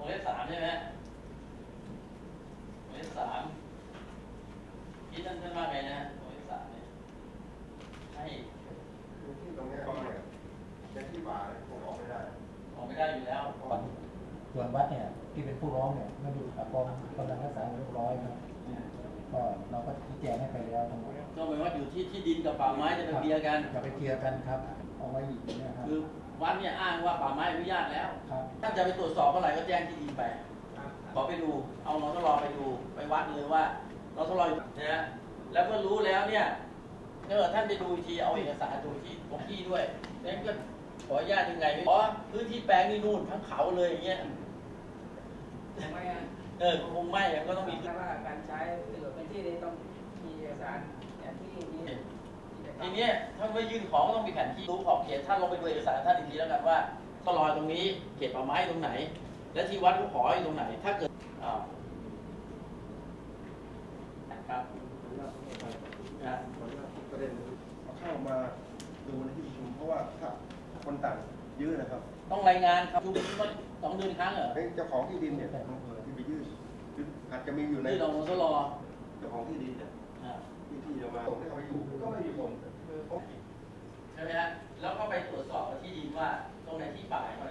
งเล็บ3ใช่ไหมวงเล็บ3ที่ท่านว่าไงนะวงเล็บ3เนี่ยให้ที่ตรงนี้เนี่ยในที่ป่าคงออกไม่ได้อยู่แล้วส่วนวัดเนี่ยที่เป็นผู้ร้องเนี่ยมันอยู่กับกองกำลังรักษาเรียบร้อยครับก็เราก็ชี้แจงให้ไปแล้วทั้งหมดก็หมายว่าอยู่ที่ดินกับป่าไม้จะไปเคลียร์กันจะไปเคลียร์กันครับเอาไว้อีกนะครับคือวัดเนี่ยอ้างว่าป่าไม้อนุญาตแล้วถ้าจะไปตรวจสอบเมื่อไหร่ก็แจ้งที่ดินไปขอไปดูเอาเราทดลองไปดูไปวัดเลยว่าเราทดลองนะฮะแล้วเมื่อรู้แล้วเนี่ยถ้าท่านไปดูทีเอาเอกสารดูที่ของที่ด้วยนั่นก็ขออนุญาตยังไงไม่ขอพื้นที่แปลงนี่นู่นทั้งเขาเลยอย่างเงี้ยคงไม่ก็ต้องมีว่าการใช้เป็นที่นี้ต้องมีเอกสารแผนที่นี้ทีนี้ท่านไม่ยื่นของก็ต้องมีแผนที่รู้ขอบเขตท่านลงไปดูเอกสารท่านอีกทีแล้วกันว่าตลอดตรงนี้เขตป่าไม้ตรงไหนและที่วัดเขาขออยู่ตรงไหนถ้าเกิดครับประเด็นเข้ามาดูในที่ประชุมเพราะว่าถ้าคนต่างยื่นนะครับต้องรายงานครับดู2 เดือนครั้งเหรอเจ้าของที่ดินเนี่ยที่ไปยื่นอาจจะมีอยู่ในที่เราทดลองเจ้าของที่ดินเนี่ยที่จะมาส่งให้เขาไปอยู่ก็ไม่มีผลใช่ไหมฮะแล้วก็ไปตรวจสอบที่ดินว่าตรงไหนที่ป่า